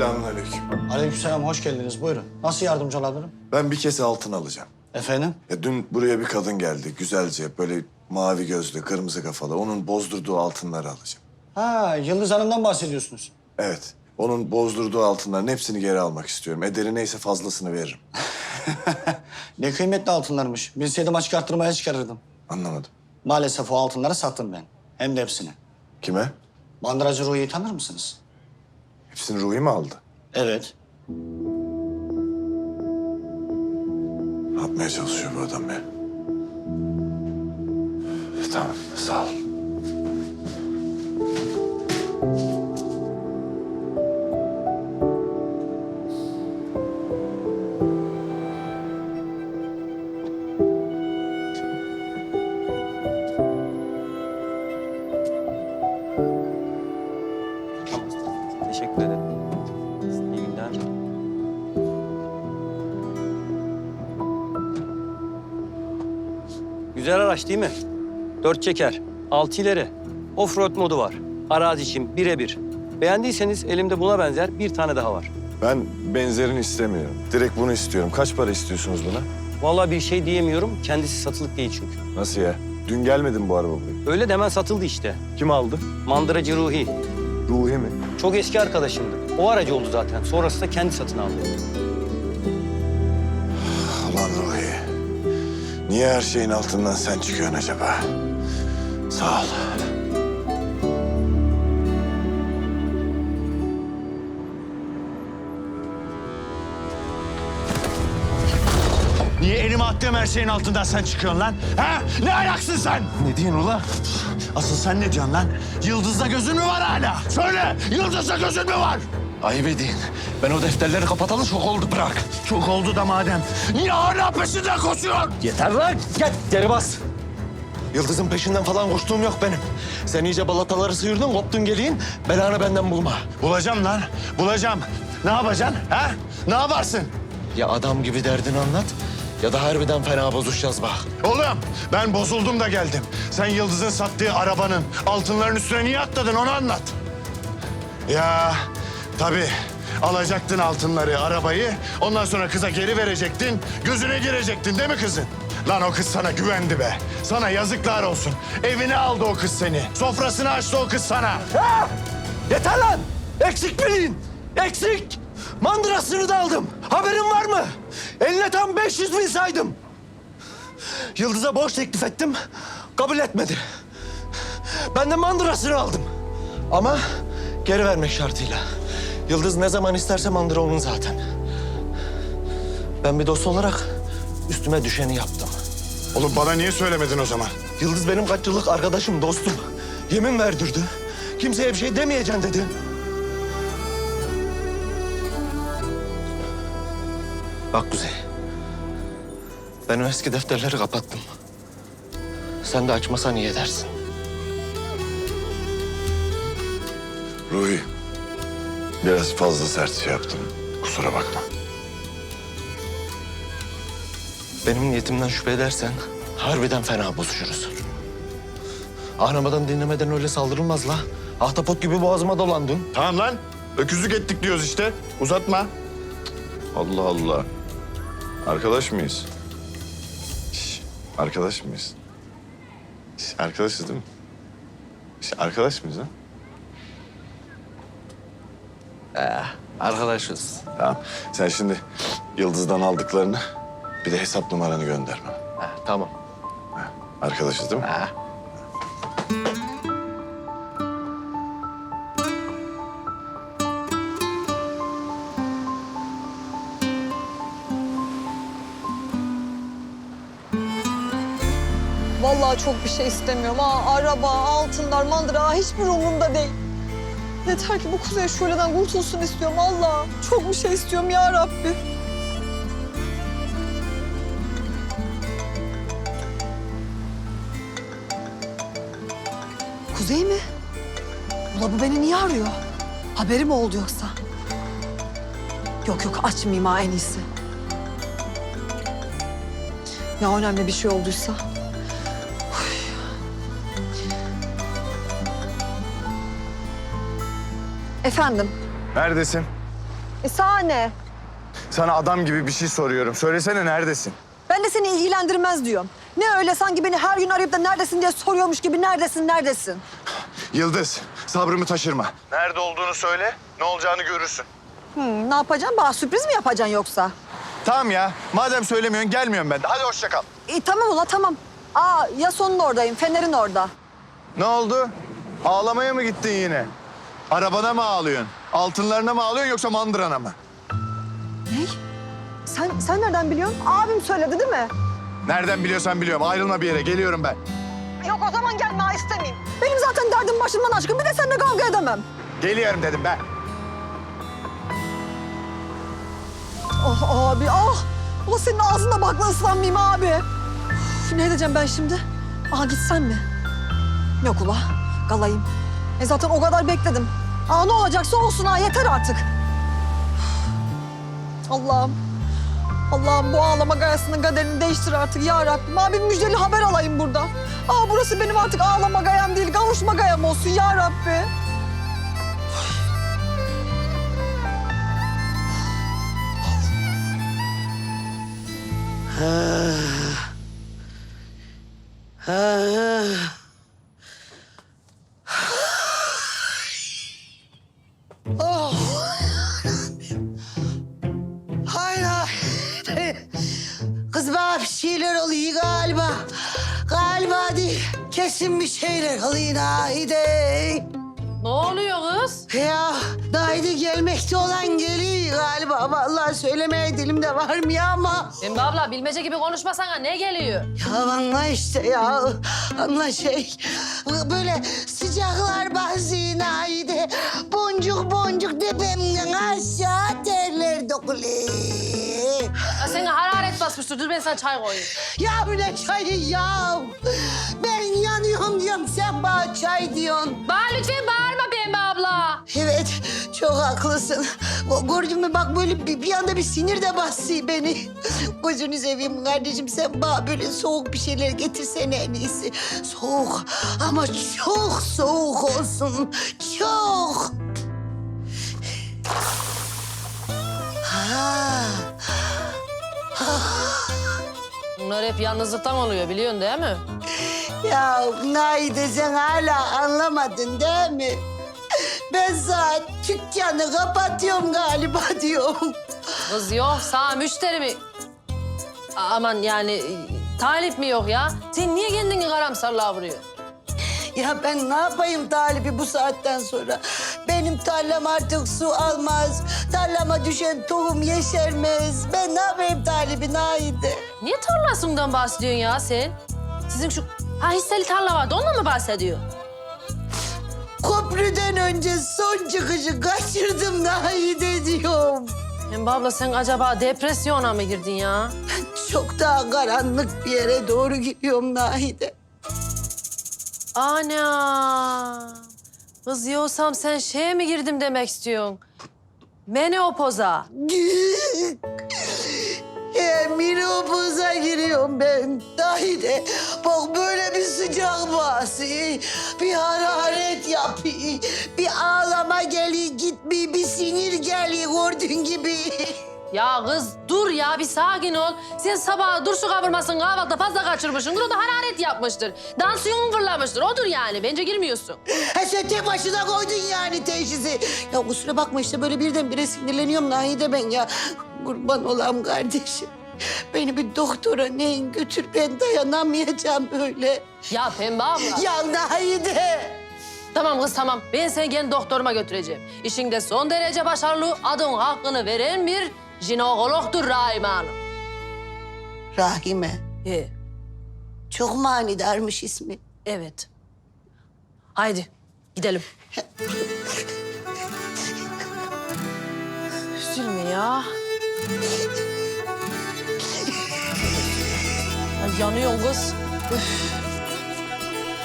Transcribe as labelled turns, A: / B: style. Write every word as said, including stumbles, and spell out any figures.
A: Selamünaleyküm.
B: Aleykümselam, hoş geldiniz. Buyurun. Nasıl yardımcı olabilirim?
A: Ben bir kese altın alacağım.
B: Efendim?
A: Ya dün buraya bir kadın geldi. Güzelce böyle mavi gözlü, kırmızı kafalı. Onun bozdurduğu altınları alacağım.
B: Ha, Yıldız Hanım'dan bahsediyorsunuz.
A: Evet. Onun bozdurduğu altınların hepsini geri almak istiyorum. Ederi neyse fazlasını veririm.
B: Ne kıymetli altınlarmış. Bilseydim açık arttırmaya çıkarırdım.
A: Anlamadım.
B: Maalesef o altınları sattım ben. Hem de hepsini.
A: Kime?
B: Bandıracı Ruhi'yi tanır mısınız?
A: Hepsini Ruhi mi aldı?
B: Evet.
A: Ne yapmaya çalışıyor bu adam ya? Tamam, sağ ol.
C: Teşekkür ederim. İyi günler. Güzel araç değil mi? Dört çeker, altı ileri. Offroad modu var. Arazi için birebir. Beğendiyseniz elimde buna benzer bir tane daha var.
A: Ben benzerini istemiyorum. Direkt bunu istiyorum. Kaç para istiyorsunuz buna?
C: Vallahi bir şey diyemiyorum. Kendisi satılık değil çünkü.
A: Nasıl ya? Dün gelmedi mi bu araba buraya?
C: Öyle demen satıldı işte.
A: Kim aldı?
C: Mandıracı Ruhi.
A: Ruhi mi?
C: Çok eski arkadaşımdı. O aracı oldu zaten. Sonrasında kendi satın aldı.
A: Ulan Ruhi. Niye her şeyin altından sen çıkıyorsun acaba? Sağ ol.
D: Niye elime attığım her şeyin altından sen çıkıyorsun lan? Ha? Ne ayaksın sen?
A: Ne diyorsun ulan?
D: Asıl sen ne diyorsun lan? Yıldız'da gözün mü var hala? Söyle, Yıldız'da gözün mü var?
E: Ayıp edin. Ben o defterleri kapatalı çok oldu, bırak.
D: Çok oldu da madem. Niye hala peşinden koşuyorsun?
E: Yeter lan. Gel geri bas. Yıldız'ın peşinden falan koştuğum yok benim. Sen iyice balataları sıyırdın, koptun geliyin. Belanı benden bulma.
D: Bulacağım lan, bulacağım. Ne yapacaksın? Ha? Ne yaparsın?
E: Ya adam gibi derdini anlat ya da harbiden fena bozuşacağız bak.
D: Oğlum, ben bozuldum da geldim. Sen Yıldız'ın sattığı arabanın altınların üstüne niye atladın onu anlat. Ya tabii alacaktın altınları, arabayı. Ondan sonra kıza geri verecektin. Gözüne girecektin değil mi kızın? Lan o kız sana güvendi be. Sana yazıklar olsun. Evine aldı o kız seni. Sofrasını açtı o kız sana.
E: Ha! Yeter lan! Eksik bilin! Eksik! Mandırasını da aldım. Haberin var mı? Eline tam beş yüz bin saydım. Yıldız'a borç teklif ettim. Kabul etmedi. Ben de mandırasını aldım. Ama geri vermek şartıyla. Yıldız ne zaman isterse mandıra onun zaten. Ben bir dost olarak üstüme düşeni yaptım.
D: Oğlum bana niye söylemedin o zaman?
E: Yıldız benim kaç yıllık arkadaşım, dostum. Yemin verdirdi. Kimseye bir şey demeyeceksin dedi. Bak Kuzey. Ben o eski defterleri kapattım. Sen de açmasan iyi edersin.
A: Ruhi. Biraz fazla sert şey yaptım. Kusura bakma.
E: Benim niyetimden şüphe edersen harbiden fena bozuşuruz. Anlamadan dinlemeden öyle saldırılmaz la. Ahtapot gibi boğazıma dolandın.
D: Tamam lan. Öküzlük ettik diyoruz işte. Uzatma.
A: Allah Allah. Arkadaş mıyız? Şş, arkadaş mıyız? Şş, arkadaşız değil mi? Şş, arkadaş mıyız ha?
E: Arkadaşız.
A: Tamam. Sen şimdi Yıldız'dan aldıklarını bir de hesap numaranı gönder bana.
E: Ha, tamam.
A: Arkadaşız değil mi?
E: Ha.
F: Vallahi çok bir şey istemiyorum. Ha, araba, altınlar, mandıra hiçbir umurumda değil. Yeter ki bu Kuzey şöleden kurtulsun istiyorum Allah. Çok bir şey istiyorum ya Rabbi. Kuzey mi? Ula bu beni niye arıyor? Haberi mi oldu yoksa? Yok yok açmayayım ha en iyisi. Ya önemli bir şey olduysa? Efendim?
A: Neredesin?
F: E sana ne?
D: Sana adam gibi bir şey soruyorum. Söylesene neredesin?
F: Ben de seni ilgilendirmez diyorum. Ne öyle sanki beni her gün arayıp da neredesin diye soruyormuş gibi neredesin, neredesin?
D: Yıldız, sabrımı taşırma. Nerede olduğunu söyle, ne olacağını görürsün.
F: Hmm, ne yapacaksın? Bana sürpriz mi yapacaksın yoksa?
D: Tamam ya, madem söylemiyorsun gelmiyorum ben de. Hadi hoşça kal.
F: İyi tamam ula tamam. Aa Yason'un oradayım, Fener'in orada.
D: Ne oldu? Ağlamaya mı gittin yine? Arabana mı ağlıyorsun? Altınlarına mı ağlıyorsun yoksa mandırana mı?
F: Ne? Sen, sen nereden biliyorsun? Abim söyledi değil mi?
D: Nereden biliyorsan biliyorum. Ayrılma bir yere, geliyorum ben.
F: Yok o zaman gelme, ha, istemeyeyim. Benim zaten derdim başımdan aşkın, bir de seninle kavga edemem.
D: Geliyorum dedim ben.
F: Oh abi ah! Ula senin ağzında bakla ıslanmayayım abi. Üf, ne edeceğim ben şimdi? Aa gitsem mi? Yok ula, kalayım. E zaten o kadar bekledim. Aa ne olacaksa olsun ha, yeter artık. Üf. Allah'ım. Allah'ım bu ağlama gayasının kaderini değiştir artık ya Rabbim. Abi müjdeli haber alayım burada. Aa burası benim artık ağlama gayam değil, kavuşma gayam olsun ya Rabbi.
G: Hayır, hayır. Kız bana bir şeyler oluyor galiba. Galiba değil. Kesin bir şeyler oluyor Nahide.
H: Ne oluyor kız?
G: Ya Nahide gelmekte olan geliyor galiba. Vallahi söylemeye dilimde varmıyor ama.
H: Pembe abla bilmece gibi konuşmasana ne geliyor?
G: Ya anla işte ya. Anla şey. Böyle sıcaklar bazı Nahide. Boncuk boncuk tepemden aşağı terler dökülüyor.
H: Ya seni hararet basmıştır. Dur ben sana çay koyayım.
G: Ya bu ne çayı ya? Ben yanıyorum diyorum, sen bana çay diyorsun.
H: Bana lütfen bağırma Pembe abla.
G: Evet, çok haklısın. O, gördün mü bak böyle bir, bir anda bir sinir de bastı beni. Gözünü seveyim kardeşim, sen bana böyle soğuk bir şeyler getirsene en iyisi. Soğuk ama çok soğuk olsun, çok. Ha.
H: Bunlar hep yalnızlıktan oluyor biliyorsun değil mi?
G: Ya Naide sen hala anlamadın değil mi? Ben sana dükkanı kapatıyorum galiba diyorum.
H: Kız yok sağ müşteri mi? A- Aman yani e, talip mi yok ya? Sen niye kendini karamsarlığa vuruyorsun?
G: Ya ben ne yapayım talibi bu saatten sonra? Benim tarlam artık su almaz. Tarlama düşen tohum yeşermez. Ben ne yapayım talibi Naide?
H: Niye tarlasından bahsediyorsun ya sen? Sizin şu ha hisseli tarla vardı ondan mı bahsediyor?
G: Köprüden önce son çıkışı kaçırdım Naide diyorum.
H: Pembe abla sen acaba depresyona mı girdin ya?
G: Çok daha karanlık bir yere doğru gidiyorum Naide.
H: Ana! Kız yoksam sen şeye mi girdim demek istiyorsun? Menopoz'a.
G: E, menopoza giriyorum ben. Naide bak böyle bir sıcak bası, bir hararet yapıyor, bir ağlama geliyor gitmiyor, bir sinir geliyor gördüğün gibi.
H: Ya kız dur ya bir sakin ol. Sen sabah dur su kavurmasın kahvaltıda fazla kaçırmışsındır. O da hararet yapmıştır. Dansiyonun fırlamıştır. Odur yani. Bence girmiyorsun.
G: Ha sen tek başına koydun yani teşhisi. Ya kusura bakma işte böyle birdenbire sinirleniyorum Nahide ben ya. Kurban olam kardeşim. Beni bir doktora neyin götür, ben dayanamayacağım böyle.
H: Ya Pembe abla.
G: Ya Nahide.
H: Tamam kız tamam. Ben seni kendi doktoruma götüreceğim. İşinde son derece başarılı, adın hakkını veren bir jinekologdur Rahime Hanım.
G: Rahime.
H: He,
G: Çok manidarmış ismi.
H: evet. Haydi gidelim. Üzülme ya. Ay, yanıyorsun kız. Üf.